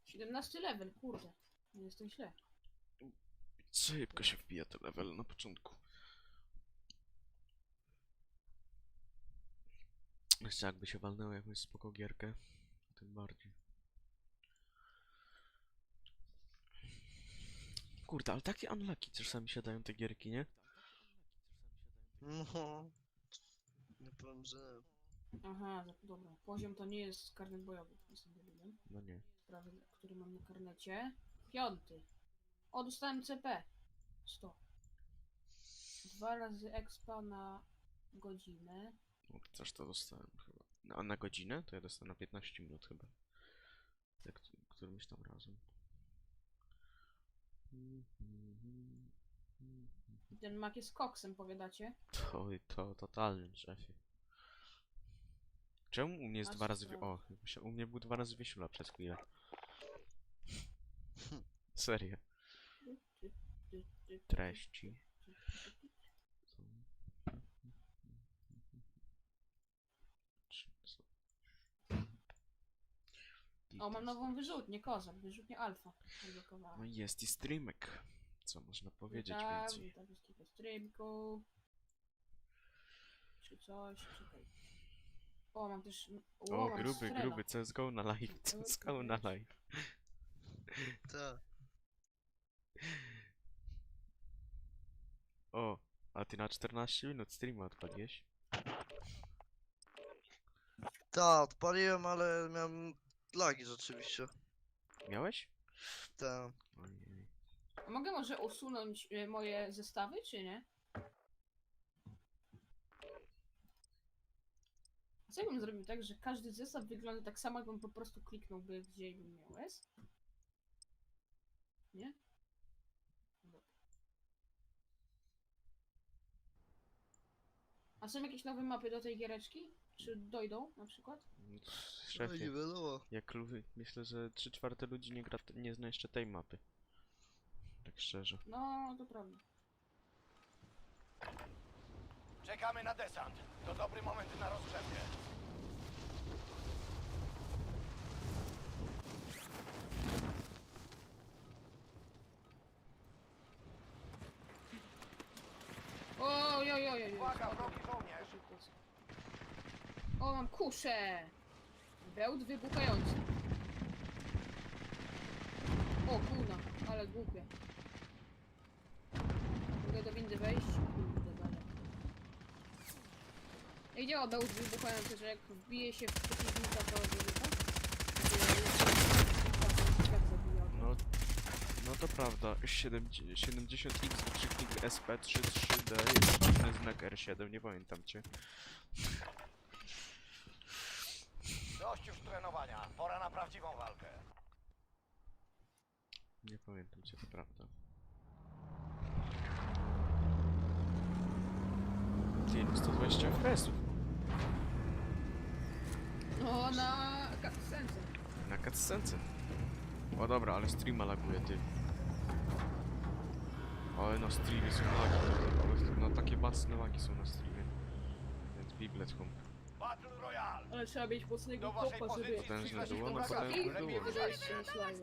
17 level, kurde. Nie jestem źle. Szybko się wbija te level na początku. Jeszcze jakby się walnęło jakąś spoko gierkę, tym bardziej. Kurde, ale takie unlucky czasami się dają te gierki, nie? No. Nie powiem, że... Aha, dobra. Poziom to nie jest karnet bojowy. Jestem debilem. No nie. Prawy, który mam na karnecie. 5. O, dostałem CP. 100. 2 razy expa na godzinę. No, też to dostałem chyba. A na godzinę? To ja dostałem na 15 minut chyba. Tak, którymś tam razem. Ten mak jest koksem, powiadacie? To totalnym, szefie. Czemu u mnie jest Aż 2 razy... sprawdzę. O, u mnie był 2 razy wysiula przez chwilę. Serio. Treści. O, mam nową wyrzutnię, kozak, wyrzutnię alfa. No i jest i streamek. Co można powiedzieć witam, więcej? witam wszystkich na streamku. Czy coś, czekaj. O, mam też... O, mam gruby, strela. gruby, CSGO na live, CSGO na live. Tak. O, a ty na 14 minut streama odpaliłeś? Tak, odpaliłem, ale miałem lagi rzeczywiście. Miałeś? Tak. Ojej. A mogę może usunąć moje zestawy, czy nie? A co jakbym zrobił tak, że każdy zestaw wygląda tak samo, jakbym po prostu kliknąłby, gdzie bym miał S? Nie? Dobra. A są jakieś nowe mapy do tej giereczki? Czy dojdą na przykład? No nie Szefie, wiadomo. myślę, że 3/4 ludzi nie zna jeszcze tej mapy. Tak szczerze. No, to prawda. Czekamy na desant. To dobry moment na rozgrzewkę. Oj, oj, oj, oj. Uwaga, wrogi żołnierz! O, mam kuszę! Bełt wybuchający. O, kurna, ale głupie. Mogę do windy wejść? Kurde, dalej. Jak działa bełt wybuchający, że jak wbije się w przeciwnika, to wybucha? No, no to prawda. 70x wykrzyknik SP33D jest inny znak R7, nie pamiętam cię. Dość już trenowania. Pora na prawdziwą walkę. Nie pamiętam cię, to prawda. Ty, no 120 FPS-ów. No, na cutscence. Na cutscence. O dobra, ale streama laguje, ty. Ale na streamie są lagi. No takie mocne lagi są na streamie. Więc biblet home. Battle Royale! Ale trzeba mieć mocnego Do waszej kopa, żeby... pozycji Potężne zbliża się było, no huragan. potężne Lepiej było. wyżej. Wejście na slajmy.